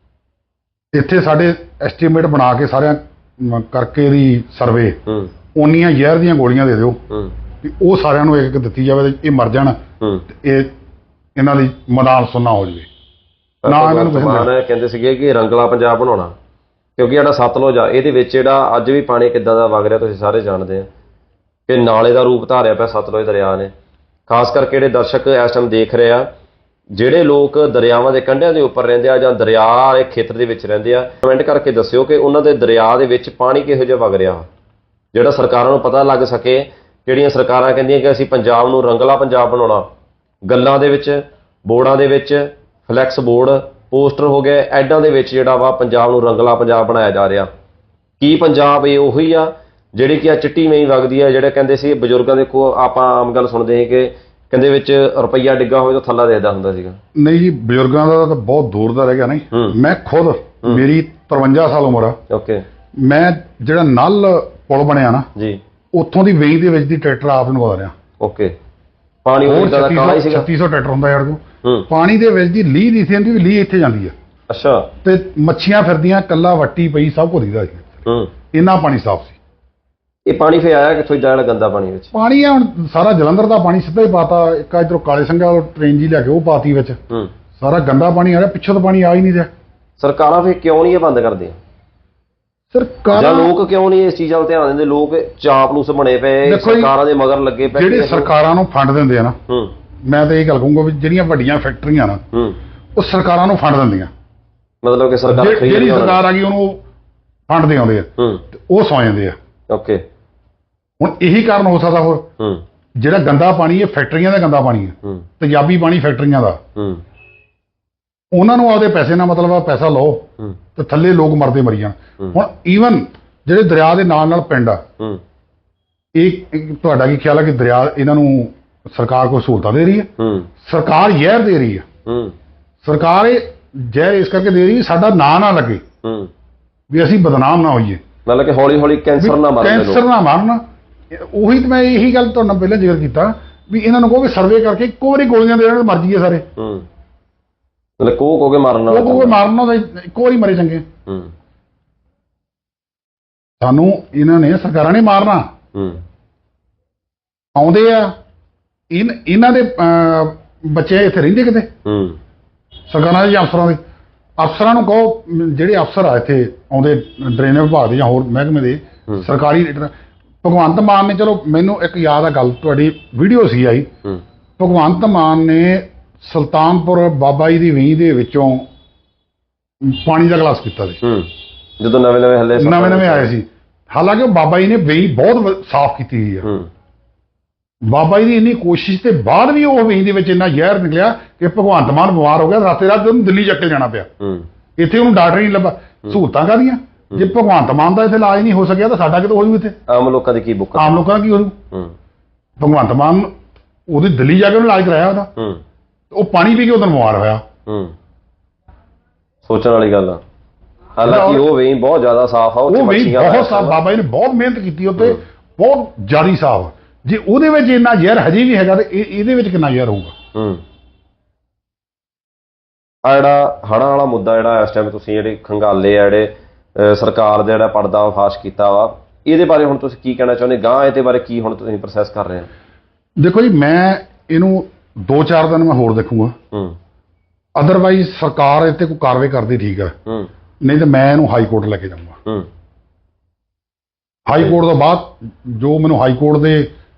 Speaker 2: ਇੱਥੇ ਸਾਡੇ ਐਸਟੀਮੇਟ ਬਣਾ ਕੇ ਸਾਰਿਆਂ ਕਰਕੇ ਦੀ ਸਰਵੇ, ਉਨੀਆਂ ਜ਼ਹਿਰ ਦੀਆਂ ਗੋਲੀਆਂ ਦੇ ਦਿਓ ਵੀ ਉਹ ਸਾਰਿਆਂ ਨੂੰ ਇੱਕ ਇੱਕ ਦਿੱਤੀ ਜਾਵੇ, ਇਹ ਮਰ ਜਾਣ ਤੇ ਇਹਨਾਂ ਦੀ ਮੈਦਾਨ ਸੁੰਨਾ ਹੋ ਜਾਵੇ। ਨਾ ਇਹਨਾਂ ਨੂੰ
Speaker 1: ਕਹਿੰਦੇ ਸੀਗੇ ਕਿ ਰੰਗਲਾ ਪੰਜਾਬ ਬਣਾਉਣਾ, ਕਿਉਂਕਿ ਜਿਹੜਾ ਸਤਲੁਜ ਆ ਇਹਦੇ ਵਿੱਚ ਜਿਹੜਾ ਅੱਜ ਵੀ ਪਾਣੀ ਕਿੱਦਾਂ ਦਾ ਵਗ ਰਿਹਾ ਤੁਸੀਂ ਸਾਰੇ ਜਾਣਦੇ ਆ ਕਿ ਨਾਲੇ ਦਾ ਰੂਪ ਧਾਰਿਆ ਪਿਆ ਸਤਲੁਜ ਦਰਿਆ ਨੇ। ਖਾਸ ਕਰਕੇ ਜਿਹੜੇ ਦਰਸ਼ਕ ਇਸ ਟਾਈਮ ਦੇਖ ਰਹੇ ਆ, ਜਿਹੜੇ ਲੋਕ ਦਰਿਆਵਾਂ ਦੇ ਕੰਢਿਆਂ ਦੇ ਉੱਪਰ ਰਹਿੰਦੇ ਆ ਜਾਂ ਦਰਿਆ ਵਾਲੇ ਖੇਤਰ ਦੇ ਵਿੱਚ ਰਹਿੰਦੇ ਆ, ਕਮੈਂਟ ਕਰਕੇ ਦੱਸਿਓ ਕਿ ਉਹਨਾਂ ਦੇ ਦਰਿਆ ਦੇ ਵਿੱਚ ਪਾਣੀ ਕਿਹੋ ਜਿਹਾ ਵਗ ਰਿਹਾ, ਜਿਹੜਾ ਸਰਕਾਰਾਂ ਨੂੰ ਪਤਾ ਲੱਗ ਸਕੇ। ਜਿਹੜੀਆਂ ਸਰਕਾਰਾਂ ਕਹਿੰਦੀਆਂ ਕਿ ਅਸੀਂ ਪੰਜਾਬ ਨੂੰ ਰੰਗਲਾ ਪੰਜਾਬ ਬਣਾਉਣਾ, ਗੱਲਾਂ ਦੇ ਵਿੱਚ, ਬੋਰਡਾਂ ਦੇ ਵਿੱਚ, ਫਲੈਕਸ ਬੋਰਡ, ਪੋਸਟਰ ਹੋ ਗਏ, ਐਡਾਂ ਦੇ ਵਿੱਚ ਜਿਹੜਾ ਵਾ ਪੰਜਾਬ ਨੂੰ ਰੰਗਲਾ ਪੰਜਾਬ ਬਣਾਇਆ ਜਾ ਰਿਹਾ। ਕੀ ਪੰਜਾਬ ਇਹ ਉਹੀ ਆ ਜਿਹੜੀ ਕਿ ਆ ਚਿੱਟੀ ਮਈ ਵਗਦੀ ਆ? ਜਿਹੜੇ ਕਹਿੰਦੇ ਸੀ ਬਜ਼ੁਰਗਾਂ ਦੇ ਕੋਲ, ਆਪਾਂ ਆਮ ਗੱਲ ਸੁਣਦੇ ਸੀ ਕਿ ਕਹਿੰਦੇ ਵਿੱਚ ਰੁਪਈਆ ਡਿੱਗਾ ਹੋਵੇ ਤਾਂ ਥੱਲਾ ਦੇਖਦਾ ਹੁੰਦਾ ਸੀਗਾ।
Speaker 2: ਨਹੀਂ ਜੀ, ਬਜ਼ੁਰਗਾਂ ਦਾ ਤਾਂ ਬਹੁਤ ਦੂਰ ਦਾ ਰਹਿ ਗਿਆ। ਨਹੀਂ, ਮੈਂ ਖੁਦ, ਮੇਰੀ 53 ਸਾਲ ਉਮਰ ਆ।
Speaker 1: ਓਕੇ,
Speaker 2: ਮੈਂ ਜਿਹੜਾ ਨਲ ਪੁਲ ਬਣਿਆ ਨਾ ਜੀ, ਉੱਥੋਂ ਦੀ ਵੇਈ ਦੇ ਵਿੱਚ ਦੀ ਟਰੈਕਟਰ ਆਪ ਨੂੰ ਆ ਰਿਹਾ।
Speaker 1: ਓਕੇ, ਪਾਣੀ ਉਹ ਦਾ ਕਾਲਾ ਹੀ ਸੀਗਾ।
Speaker 2: 3600 ਟਰੈਕਟਰ ਹੁੰਦਾ ਯਾਰ ਤੂੰ, ਪਾਣੀ ਦੇ ਵਿੱਚ ਦੀ ਲੀਹ ਦੀ ਸੀ ਵੀ ਲੀਹ ਇੱਥੇ ਜਾਂਦੀ ਆ।
Speaker 1: ਅੱਛਾ, ਤੇ
Speaker 2: ਮੱਛੀਆਂ ਫਿਰਦੀਆਂ, ਕੱਲਾ ਵੱਟੀ ਪਈ, ਸਭ ਕੁਝ ਦਿਖਦਾ ਸੀ। ਇੰਨਾ ਪਾਣੀ ਸਾਫ਼ ਸੀ।
Speaker 1: ਇਹ ਪਾਣੀ ਫੇ ਆਇਆ ਕਿੱਥੋਂ ਜਿਹੜਾ ਗੰਦਾ ਪਾਣੀ ਵਿੱਚ?
Speaker 2: ਪਾਣੀ ਆ ਹੁਣ ਸਾਰਾ ਜਲੰਧਰ ਦਾ ਪਾਣੀ ਸਿੱਧਾ ਹੀ ਪਾਤਾ। ਇੱਕ ਇਧਰੋਂ ਕਾਲੇ ਸੰਘਾ ਟ੍ਰੇਨ ਜੀ ਲੈ ਕੇ ਉਹ ਪਾਤੀ ਵਿੱਚ, ਸਾਰਾ ਗੰਦਾ ਪਾਣੀ ਆ ਰਿਹਾ। ਪਿੱਛੋਂ ਤਾਂ ਪਾਣੀ ਆ ਹੀ ਨਹੀਂ ਰਿਹਾ।
Speaker 1: ਸਰਕਾਰਾਂ ਫੇ ਕਿਉਂ ਨਹੀਂ ਇਹ ਬੰਦ ਕਰਦੀਆਂ? ਸਰਕਾਰਾਂ, ਲੋਕ ਕਿਉਂ ਨਹੀਂ ਇਸ ਚੀਜ਼ਾਂ 'ਤੇ ਧਿਆਨ ਦਿੰਦੇ? ਲੋਕ ਚਾਪਲੂਸ ਬਣੇ ਪਏ, ਸਰਕਾਰਾਂ ਦੇ ਮਗਰ ਲੱਗੇ ਪਏ।
Speaker 2: ਜਿਹੜੇ ਸਰਕਾਰਾਂ ਨੂੰ ਫੰਡ ਦਿੰਦੇ ਆ ਨਾ, ਮੈਂ ਤਾਂ ਇਹ ਗੱਲ ਕਹੂੰਗਾ ਵੀ ਜਿਹੜੀਆਂ ਵੱਡੀਆਂ ਫੈਕਟਰੀਆਂ ਨਾ, ਉਹ ਸਰਕਾਰਾਂ ਨੂੰ ਫੰਡ ਦਿੰਦੀਆਂ।
Speaker 1: ਮਤਲਬ ਕਿ ਸਰਕਾਰ,
Speaker 2: ਜਿਹੜੀ ਸਰਕਾਰ ਆ ਗਈ ਉਹਨੂੰ ਫੰਡ ਦੇ ਆਉਂਦੇ ਆ, ਉਹ ਸੌ ਜਾਂਦੇ ਆ।
Speaker 1: ਓਕੇ,
Speaker 2: ਹੁਣ ਇਹੀ ਕਾਰਨ ਹੋ ਸਕਦਾ। ਹੋਰ ਜਿਹੜਾ ਗੰਦਾ ਪਾਣੀ, ਇਹ ਫੈਕਟਰੀਆਂ ਦਾ ਗੰਦਾ ਪਾਣੀ ਹੈ, ਤੇਜ਼ਾਬੀ ਪਾਣੀ ਫੈਕਟਰੀਆਂ ਦਾ। ਉਹਨਾਂ ਨੂੰ ਆਪਦੇ ਪੈਸੇ ਨਾਲ ਮਤਲਬ ਆ, ਪੈਸਾ ਲਓ ਤੇ ਥੱਲੇ ਲੋਕ ਮਰਦੇ ਮਰੀ ਜਾਣ। ਹੁਣ ਈਵਨ ਜਿਹੜੇ ਦਰਿਆ ਦੇ ਨਾਲ ਨਾਲ ਪਿੰਡ ਆ, ਇਹ ਤੁਹਾਡਾ ਕੀ ਖਿਆਲ ਹੈ ਕਿ ਦਰਿਆ ਇਹਨਾਂ ਨੂੰ ਸਰਕਾਰ ਕੋਈ ਸਹੂਲਤਾਂ ਦੇ ਰਹੀ ਹੈ? ਸਰਕਾਰ ਜ਼ਹਿਰ ਦੇ ਰਹੀ ਹੈ। ਸਰਕਾਰ ਇਹ ਜ਼ਹਿਰ ਇਸ ਕਰਕੇ ਦੇ ਰਹੀ ਸਾਡਾ ਨਾਂ ਨਾ ਲੱਗੇ, ਵੀ ਅਸੀਂ ਬਦਨਾਮ ਨਾ ਹੋਈਏ,
Speaker 1: ਮਤਲਬ ਕਿ ਹੌਲੀ ਹੌਲੀ ਕੈਂਸਰ ਨਾ ਮਾਰਨ।
Speaker 2: ਕੈਂਸਰ ਨਾ ਮਾਰਨ। ਉਹੀ ਤਾਂ ਮੈਂ ਇਹੀ ਗੱਲ ਤੁਹਾਡੇ ਨਾਲ ਪਹਿਲਾਂ ਜ਼ਿਕਰ ਕੀਤਾ ਵੀ ਇਹਨਾਂ ਨੂੰ ਕਹੋ ਵੀ ਸਰਵੇ ਕਰਕੇ ਇੱਕੋ ਵਾਰੀ ਗੋਲੀਆਂ ਦੇ ਦੇਣ, ਮਰ ਜਾਈਏ ਸਾਰੇ।
Speaker 1: ਮਤਲਬ ਕੋ ਕੇ ਮਾਰਨ ਨਾਲ,
Speaker 2: ਉਹ ਮਾਰਨਾ ਤਾਂ ਇੱਕੋ ਵਾਰੀ ਮਰੇ ਚੰਗੇ। ਸਾਨੂੰ ਇਹਨਾਂ ਨੇ, ਸਰਕਾਰਾਂ ਨੇ ਮਾਰਨਾ। ਆਉਂਦੇ ਆ ਇਹਨਾਂ ਦੇ ਬੱਚੇ ਇੱਥੇ ਰਹਿੰਦੇ ਕਿਤੇ ਸਰਕਾਰਾਂ ਦੇ ਜਾਂ ਅਫਸਰਾਂ ਦੇ? ਅਫਸਰਾਂ ਨੂੰ ਕਹੋ, ਜਿਹੜੇ ਅਫਸਰ ਆ ਇੱਥੇ ਆਉਂਦੇ ਡਰੇਨੇਜ ਵਿਭਾਗ ਦੇ ਜਾਂ ਹੋਰ ਮਹਿਕਮੇ ਦੇ ਸਰਕਾਰੀ ਲੀਡਰ, ਭਗਵੰਤ ਮਾਨ ਨੇ, ਚਲੋ ਮੈਨੂੰ ਇੱਕ ਯਾਦ ਆ ਗੱਲ, ਤੁਹਾਡੀ ਵੀਡੀਓ ਸੀ ਆਈ, ਭਗਵੰਤ ਮਾਨ ਨੇ ਸੁਲਤਾਨਪੁਰ ਬਾਬਾ ਜੀ ਦੀ ਵੀਹ ਦੇ ਵਿੱਚੋਂ ਪਾਣੀ ਦਾ ਗਲਾਸ ਪੀਤਾ ਸੀ
Speaker 1: ਜਦੋਂ ਨਵੇਂ
Speaker 2: ਆਏ ਸੀ। ਹਾਲਾਂਕਿ ਉਹ ਬਾਬਾ ਜੀ ਨੇ ਵੇਈ ਬਹੁਤ ਸਾਫ਼ ਕੀਤੀ ਹੋਈ ਆ। ਬਾਬਾ ਜੀ ਦੀ ਇੰਨੀ ਕੋਸ਼ਿਸ਼ ਤੇ ਬਾਅਦ ਵੀ ਉਹ ਵੇਈ ਦੇ ਵਿੱਚ ਇੰਨਾ ਜ਼ਹਿਰ ਨਿਕਲਿਆ ਕਿ ਭਗਵੰਤ ਮਾਨ ਬਿਮਾਰ ਹੋ ਗਿਆ, ਰਾਤੇ ਰਾਤ ਉਹਨੂੰ ਦਿੱਲੀ ਚੱਕ ਕੇ ਜਾਣਾ ਪਿਆ। ਇੱਥੇ ਉਹਨੂੰ ਡਾਕਟਰ ਨਹੀਂ ਲੱਭਾ। ਸਹੂਲਤਾਂ ਕਾਹਦੀਆਂ? ਜੇ ਭਗਵੰਤ ਮਾਨ ਦਾ ਇੱਥੇ ਇਲਾਜ ਨਹੀਂ ਹੋ ਸਕਿਆ ਤਾਂ ਸਾਡਾ ਕਿਤੇ ਹੋ ਜੂ? ਇੱਥੇ
Speaker 1: ਆਮ ਲੋਕਾਂ ਦੀ ਕੀ ਬੁੱਕ,
Speaker 2: ਆਮ ਲੋਕਾਂ ਦਾ ਕੀ ਹੋ ਜੂ? ਭਗਵੰਤ ਮਾਨ ਉਹਦੀ ਦਿੱਲੀ ਜਾ ਕੇ ਉਹਨੇ ਇਲਾਜ ਕਰਾਇਆ ਉਹਦਾ, ਉਹ ਪਾਣੀ ਪੀ ਕੇ ਉਦੋਂ ਬਿਮਾਰ ਹੋਇਆ।
Speaker 1: ਸੋਚਣ ਵਾਲੀ ਗੱਲ ਆ। ਹਾਲਾਂਕਿ ਉਹ ਵੇਈ ਬਹੁਤ ਜ਼ਿਆਦਾ ਸਾਫ਼ ਆ,
Speaker 2: ਉਹ ਵੇਈ ਬਹੁਤ ਸਾਫ਼, ਬਾਬਾ ਜੀ ਨੇ ਬਹੁਤ ਮਿਹਨਤ ਕੀਤੀ ਉੱਤੇ, ਬਹੁਤ ਜ਼ਿਆਦਾ ਸਾਫ਼। ਜੇ ਉਹਦੇ ਵਿੱਚ ਇੰਨਾ ਜ਼ਹਿਰ ਹਜੇ ਵੀ ਹੈਗਾ ਤੇ ਇਹਦੇ ਵਿੱਚ ਕਿੰਨਾ ਜ਼ਹਿਰ ਹੋਊਗਾ?
Speaker 1: ਆ ਜਿਹੜਾ ਹੜ੍ਹਾਂ ਵਾਲਾ ਮੁੱਦਾ ਜਿਹੜਾ ਇਸ ਟਾਈਮ ਤੁਸੀਂ ਜਿਹੜੇ ਖੰਗਾਲੇ ਆ, ਜਿਹੜੇ ਸਰਕਾਰ ਦਾ ਜਿਹੜਾ ਪਰਦਾ ਫਾਸ਼ ਕੀਤਾ ਵਾ, ਇਹਦੇ ਬਾਰੇ ਹੁਣ ਤੁਸੀਂ ਕੀ ਕਹਿਣਾ ਚਾਹੁੰਦੇ? ਗਾਂ ਇਹਦੇ ਬਾਰੇ ਕੀ ਹੁਣ ਤੁਸੀਂ ਪ੍ਰੋਸੈਸ ਕਰ ਰਹੇ ਹੋ? ਦੇਖੋ ਜੀ, ਮੈਂ ਇਹਨੂੰ 2-4 ਦਿਨ ਮੈਂ ਹੋਰ ਦੇਖੂੰਗਾ। ਅਦਰਵਾਈਜ਼ ਸਰਕਾਰ ਇੱਥੇ ਕੋਈ ਕਾਰਵਾਈ ਕਰਦੀ ਠੀਕ ਹੈ, ਨਹੀਂ ਤਾਂ ਮੈਂ ਇਹਨੂੰ ਹਾਈ ਕੋਰਟ ਲੈ ਕੇ ਜਾਊਂਗਾ। ਹਾਈ ਕੋਰਟ ਤੋਂ ਬਾਅਦ ਜੋ ਮੈਨੂੰ ਹਾਈ ਕੋਰਟ ਦੇ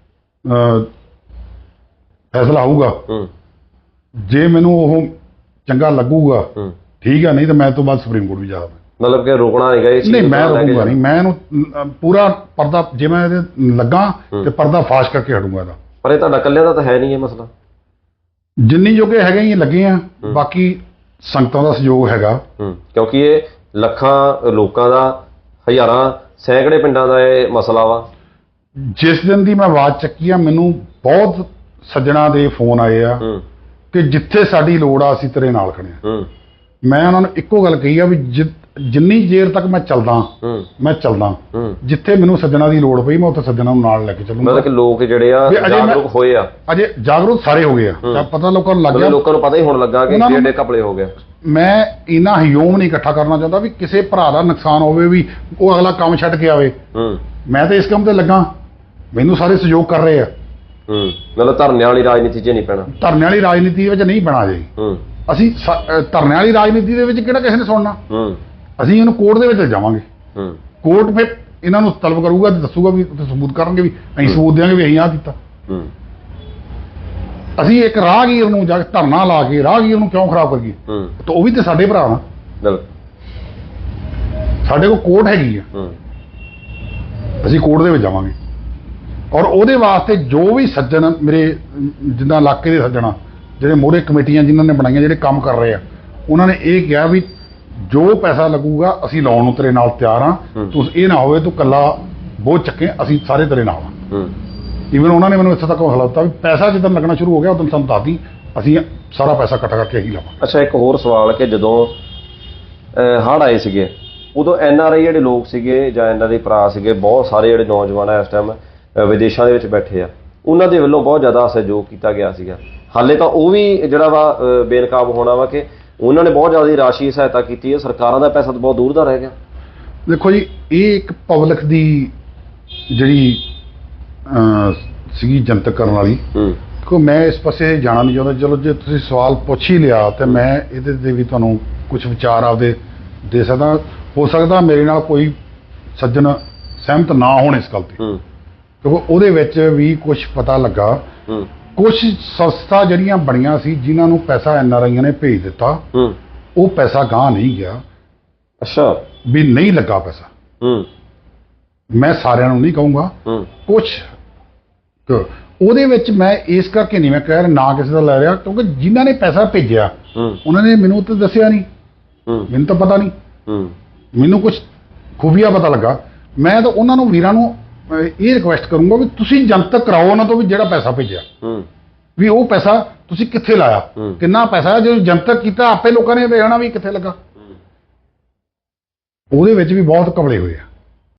Speaker 1: ਫੈਸਲਾ ਆਊਗਾ, ਜੇ ਮੈਨੂੰ ਉਹ ਚੰਗਾ ਲੱਗੂਗਾ ਠੀਕ ਹੈ, ਨਹੀਂ ਤਾਂ ਮੈਂ ਤੋਂ ਬਾਅਦ ਸੁਪਰੀਮ ਕੋਰਟ ਵੀ ਜਾ ਸਕਦਾ। ਮਤਲਬ ਕਿ ਰੋਕਣਾ ਹੈਗਾ ਇਹ?
Speaker 2: ਨਹੀਂ, ਮੈਂ ਰੋਕੂਗਾ ਨਹੀਂ। ਮੈਂ ਇਹਨੂੰ ਪੂਰਾ ਪਰਦਾ, ਜੇ ਮੈਂ ਇਹਦੇ ਲੱਗਾ ਤੇ ਪਰਦਾ ਫਾਸ਼ ਕਰਕੇ ਹਟੂੰਗਾ ਇਹਦਾ।
Speaker 1: ਪਰ ਇਹ ਤੁਹਾਡਾ ਇਕੱਲਿਆਂ ਦਾ ਤਾਂ ਹੈ ਨਹੀਂ ਇਹ ਮਸਲਾ।
Speaker 2: ਜਿੰਨੀ ਜੋਗੇ ਹੈਗੇ ਹੀ ਲੱਗੇ ਆ, ਬਾਕੀ ਸੰਗਤਾਂ ਦਾ ਸਹਿਯੋਗ ਹੈਗਾ,
Speaker 1: ਕਿਉਂਕਿ ਇਹ ਲੱਖਾਂ ਲੋਕਾਂ ਦਾ, ਹਜ਼ਾਰਾਂ ਸੈਂਕੜੇ ਪਿੰਡਾਂ ਦਾ ਇਹ ਮਸਲਾ ਵਾ।
Speaker 2: ਜਿਸ ਦਿਨ ਦੀ ਮੈਂ ਆਵਾਜ਼ ਚੱਕੀ ਆ, ਮੈਨੂੰ ਬਹੁਤ ਸੱਜਣਾ ਦੇ ਫੋਨ ਆਏ ਆ ਕਿ ਜਿੱਥੇ ਸਾਡੀ ਲੋੜ ਆ ਅਸੀਂ ਤੇਰੇ ਨਾਲ ਖੜੇ ਆ। ਮੈਂ ਉਹਨਾਂ ਨੂੰ ਇੱਕੋ ਗੱਲ ਕਹੀ ਆ ਵੀ ਜਿੰਨੀ ਦੇਰ ਤੱਕ ਮੈਂ ਚੱਲਦਾ ਮੈਂ ਚੱਲਦਾ, ਜਿੱਥੇ ਮੈਨੂੰ ਸੱਜਣਾ ਦੀ ਲੋੜ ਪਈ ਮੈਂ ਉੱਥੇ ਸੱਜਣਾ ਨੂੰ ਨਾਲ ਲੈ ਕੇ ਚੱਲੂੰਗਾ।
Speaker 1: ਮਤਲਬ ਕਿ ਲੋਕ ਜਿਹੜੇ ਆ ਜਾਗਰੂਕ ਹੋਏ ਆ,
Speaker 2: ਅਜੇ ਜਾਗਰੂਕ ਸਾਰੇ ਹੋ ਗਏ ਆ, ਪਤਾ ਲੋਕਾਂ ਨੂੰ ਲੱਗ ਗਿਆ,
Speaker 1: ਲੋਕਾਂ ਨੂੰ ਪਤਾ ਹੀ ਹੋਣ ਲੱਗਾ ਕਿ ਜਿਹੜੇ ਕਪੜੇ ਹੋ ਗਿਆ।
Speaker 2: ਮੈਂ ਇਹਨਾਂ ਹਿਯੋਮ ਨਹੀਂ ਇਕੱਠਾ ਕਰਨਾ ਚਾਹੁੰਦਾ ਵੀ ਕਿਸੇ ਭਰਾ ਦਾ ਨੁਕਸਾਨ ਹੋਵੇ ਵੀ ਉਹ ਅਗਲਾ ਕੰਮ ਛੱਡ ਕੇ ਆਵੇ। ਮੈਂ ਤਾਂ ਇਸ ਕੰਮ ਤੇ ਲੱਗਾ, ਮੈਨੂੰ ਸਾਰੇ ਸਹਿਯੋਗ ਕਰ ਰਹੇ ਆ।
Speaker 1: ਮਤਲਬ ਧਰਨੇ ਵਾਲੀ ਰਾਜਨੀਤੀ 'ਚ ਨਹੀਂ ਪੈਣਾ? ਧਰਨੇ
Speaker 2: ਵਾਲੀ ਰਾਜਨੀਤੀ ਵਿੱਚ ਨਹੀਂ ਪੈਣਾ ਜੀ। ਅਸੀਂ ਧਰਨੇ ਵਾਲੀ ਰਾਜਨੀਤੀ ਦੇ ਵਿੱਚ ਕਿਹੜਾ ਕਿਸੇ ਨੇ ਸੁਣਨਾ? ਅਸੀਂ ਇਹਨੂੰ ਕੋਰਟ ਦੇ ਵਿੱਚ ਜਾਵਾਂਗੇ, ਕੋਰਟ ਫਿਰ ਇਹਨਾਂ ਨੂੰ ਤਲਬ ਕਰੂਗਾ ਤੇ ਦੱਸੂਗਾ ਵੀ ਸਬੂਤ ਕਰਨਗੇ ਵੀ ਅਸੀਂ ਸਬੂਤ ਦੇਵਾਂਗੇ ਵੀ ਅਸੀਂ ਆਹ ਕੀਤਾ। ਅਸੀਂ ਇੱਕ ਰਾਹਗੀਰ ਨੂੰ ਜਾ ਕੇ ਧਰਨਾ ਲਾ ਕੇ ਰਾਹਗੀਰ ਨੂੰ ਕਿਉਂ ਖਰਾਬ ਕਰੀਏ? ਤਾਂ ਉਹ ਵੀ ਤੇ ਸਾਡੇ ਭਰਾ ਨਾ, ਸਾਡੇ ਕੋਲ ਕੋਰਟ ਹੈਗੀ ਆ, ਅਸੀਂ ਕੋਰਟ ਦੇ ਵਿੱਚ ਜਾਵਾਂਗੇ। ਔਰ ਉਹਦੇ ਵਾਸਤੇ ਜੋ ਵੀ ਸੱਜਣ ਮੇਰੇ ਜਿੱਦਾਂ ਇਲਾਕੇ ਦੇ ਸੱਜਣਾ, ਜਿਹੜੇ ਮੋਹਰੇ ਕਮੇਟੀਆਂ ਜਿਨ੍ਹਾਂ ਨੇ ਬਣਾਈਆਂ, ਜਿਹੜੇ ਕੰਮ ਕਰ ਰਹੇ ਆ, ਉਹਨਾਂ ਨੇ ਇਹ ਕਿਹਾ ਵੀ ਜੋ ਪੈਸਾ ਲੱਗੂਗਾ ਅਸੀਂ ਲਾਉਣ ਨੂੰ ਤੇਰੇ ਨਾਲ ਤਿਆਰ ਹਾਂ। ਤੂੰ ਇਹ ਨਾ ਹੋਵੇ ਤੂੰ ਇਕੱਲਾ ਬੋਝ ਚੱਕੇ, ਅਸੀਂ ਸਾਰੇ ਤੇਰੇ ਨਾਲ ਹਾਂ। ਈਵਨ ਉਹਨਾਂ ਨੇ ਮੈਨੂੰ ਇੱਥੇ ਤੱਕ ਹੌਸਲਾ ਦਿੱਤਾ ਵੀ ਪੈਸਾ ਜਿੱਦਾਂ ਲੱਗਣਾ ਸ਼ੁਰੂ ਹੋ ਗਿਆ ਉਦੋਂ ਸਾਨੂੰ ਦੱਸਦੀ, ਅਸੀਂ ਸਾਰਾ ਪੈਸਾ ਇਕੱਠਾ ਕਰਕੇ ਹੀ ਲਾਵਾਂਗੇ।
Speaker 1: ਅੱਛਾ, ਇੱਕ ਹੋਰ ਸਵਾਲ ਕਿ ਜਦੋਂ ਹੜ੍ਹ ਆਏ ਸੀਗੇ ਉਦੋਂ NRI ਜਿਹੜੇ ਲੋਕ ਸੀਗੇ ਜਾਂ ਇਹਨਾਂ ਦੇ ਭਰਾ ਸੀਗੇ, ਬਹੁਤ ਸਾਰੇ ਜਿਹੜੇ ਨੌਜਵਾਨ ਆ ਇਸ ਟਾਈਮ ਵਿਦੇਸ਼ਾਂ ਦੇ ਵਿੱਚ ਬੈਠੇ ਆ, ਉਹਨਾਂ ਦੇ ਵੱਲੋਂ ਬਹੁਤ ਜ਼ਿਆਦਾ ਸਹਿਯੋਗ ਕੀਤਾ ਗਿਆ ਸੀਗਾ। ਹਾਲੇ ਤਾਂ ਉਹ ਵੀ ਜਿਹੜਾ ਵਾ ਬੇਨਕਾਬ ਹੋਣਾ ਵਾ ਕਿ ਉਹਨਾਂ ਨੇ ਬਹੁਤ ਜ਼ਿਆਦਾ ਰਾਸ਼ੀ ਸਹਾਇਤਾ ਕੀਤੀ ਹੈ, ਸਰਕਾਰਾਂ ਦਾ ਪੈਸਾ ਤਾਂ ਬਹੁਤ ਦੂਰ ਦਾ ਰਹਿ ਗਿਆ।
Speaker 2: ਦੇਖੋ ਜੀ, ਇਹ ਇੱਕ ਪਬਲਿਕ ਦੀ ਜਿਹੜੀ ਸੀਗੀ ਜਨਤਕ ਕਰਨ ਵਾਲੀ, ਕਿਉਂਕਿ ਮੈਂ ਇਸ ਪਾਸੇ ਜਾਣਾ ਨਹੀਂ ਚਾਹੁੰਦਾ। ਚਲੋ ਜੇ ਤੁਸੀਂ ਸਵਾਲ ਪੁੱਛ ਹੀ ਲਿਆ ਤੇ ਮੈਂ ਇਹਦੇ 'ਤੇ ਵੀ ਤੁਹਾਨੂੰ ਕੁਝ ਵਿਚਾਰ ਆਪਦੇ ਦੇ ਸਕਦਾ। ਹੋ ਸਕਦਾ ਮੇਰੇ ਨਾਲ ਕੋਈ ਸੱਜਣ ਸਹਿਮਤ ਨਾ ਹੋਣ ਇਸ ਗੱਲ 'ਤੇ, ਕਿਉਂਕਿ ਉਹਦੇ ਵਿੱਚ ਵੀ ਕੁਝ ਪਤਾ ਲੱਗਾ, ਕੁਝ ਸੰਸਥਾ ਜਿਹੜੀਆਂ ਬਣੀਆਂ ਸੀ ਜਿਨ੍ਹਾਂ ਨੂੰ ਪੈਸਾ NRIਆਂ ਨੇ ਭੇਜ ਦਿੱਤਾ, ਉਹ ਪੈਸਾ ਗਾਂਹ ਨਹੀਂ ਗਿਆ।
Speaker 1: ਅੱਛਾ,
Speaker 2: ਵੀ ਨਹੀਂ ਲੱਗਾ ਪੈਸਾ। ਮੈਂ ਸਾਰਿਆਂ ਨੂੰ ਨਹੀਂ ਕਹੂੰਗਾ, ਕੁਝ ਉਹਦੇ ਵਿੱਚ ਮੈਂ ਇਸ ਕਰਕੇ ਨਹੀਂ ਮੈਂ ਕਹਿ ਰਿਹਾ ਨਾ ਕਿਸੇ ਦਾ ਲੈ ਰਿਹਾ, ਕਿਉਂਕਿ ਜਿਨ੍ਹਾਂ ਨੇ ਪੈਸਾ ਭੇਜਿਆ ਉਹਨਾਂ ਨੇ ਮੈਨੂੰ ਤਾਂ ਦੱਸਿਆ ਨਹੀਂ, ਮੈਨੂੰ ਤਾਂ ਪਤਾ ਨਹੀਂ, ਮੈਨੂੰ ਕੁਝ ਖੂਬੀਆ ਪਤਾ ਲੱਗਾ। ਮੈਂ ਤਾਂ ਉਹਨਾਂ ਨੂੰ ਵੀਰਾਂ ਨੂੰ ਇਹ ਰਿਕੁਐਸਟ ਕਰੂੰਗਾ ਵੀ ਤੁਸੀਂ ਜਨਤਕ ਕਰਾਓ ਉਹਨਾਂ ਤੋਂ ਵੀ ਜਿਹੜਾ ਪੈਸਾ ਭੇਜਿਆ, ਵੀ ਉਹ ਪੈਸਾ ਤੁਸੀਂ ਕਿੱਥੇ ਲਾਇਆ, ਕਿੰਨਾ ਪੈਸਾ, ਜਦੋਂ ਜਨਤਕ ਕੀਤਾ ਆਪੇ ਲੋਕਾਂ ਨੇ ਵੇਖਣਾ ਵੀ ਕਿੱਥੇ ਲੱਗਾ। ਉਹਦੇ ਵਿੱਚ ਵੀ ਬਹੁਤ ਘਪਲੇ ਹੋਏ ਆ।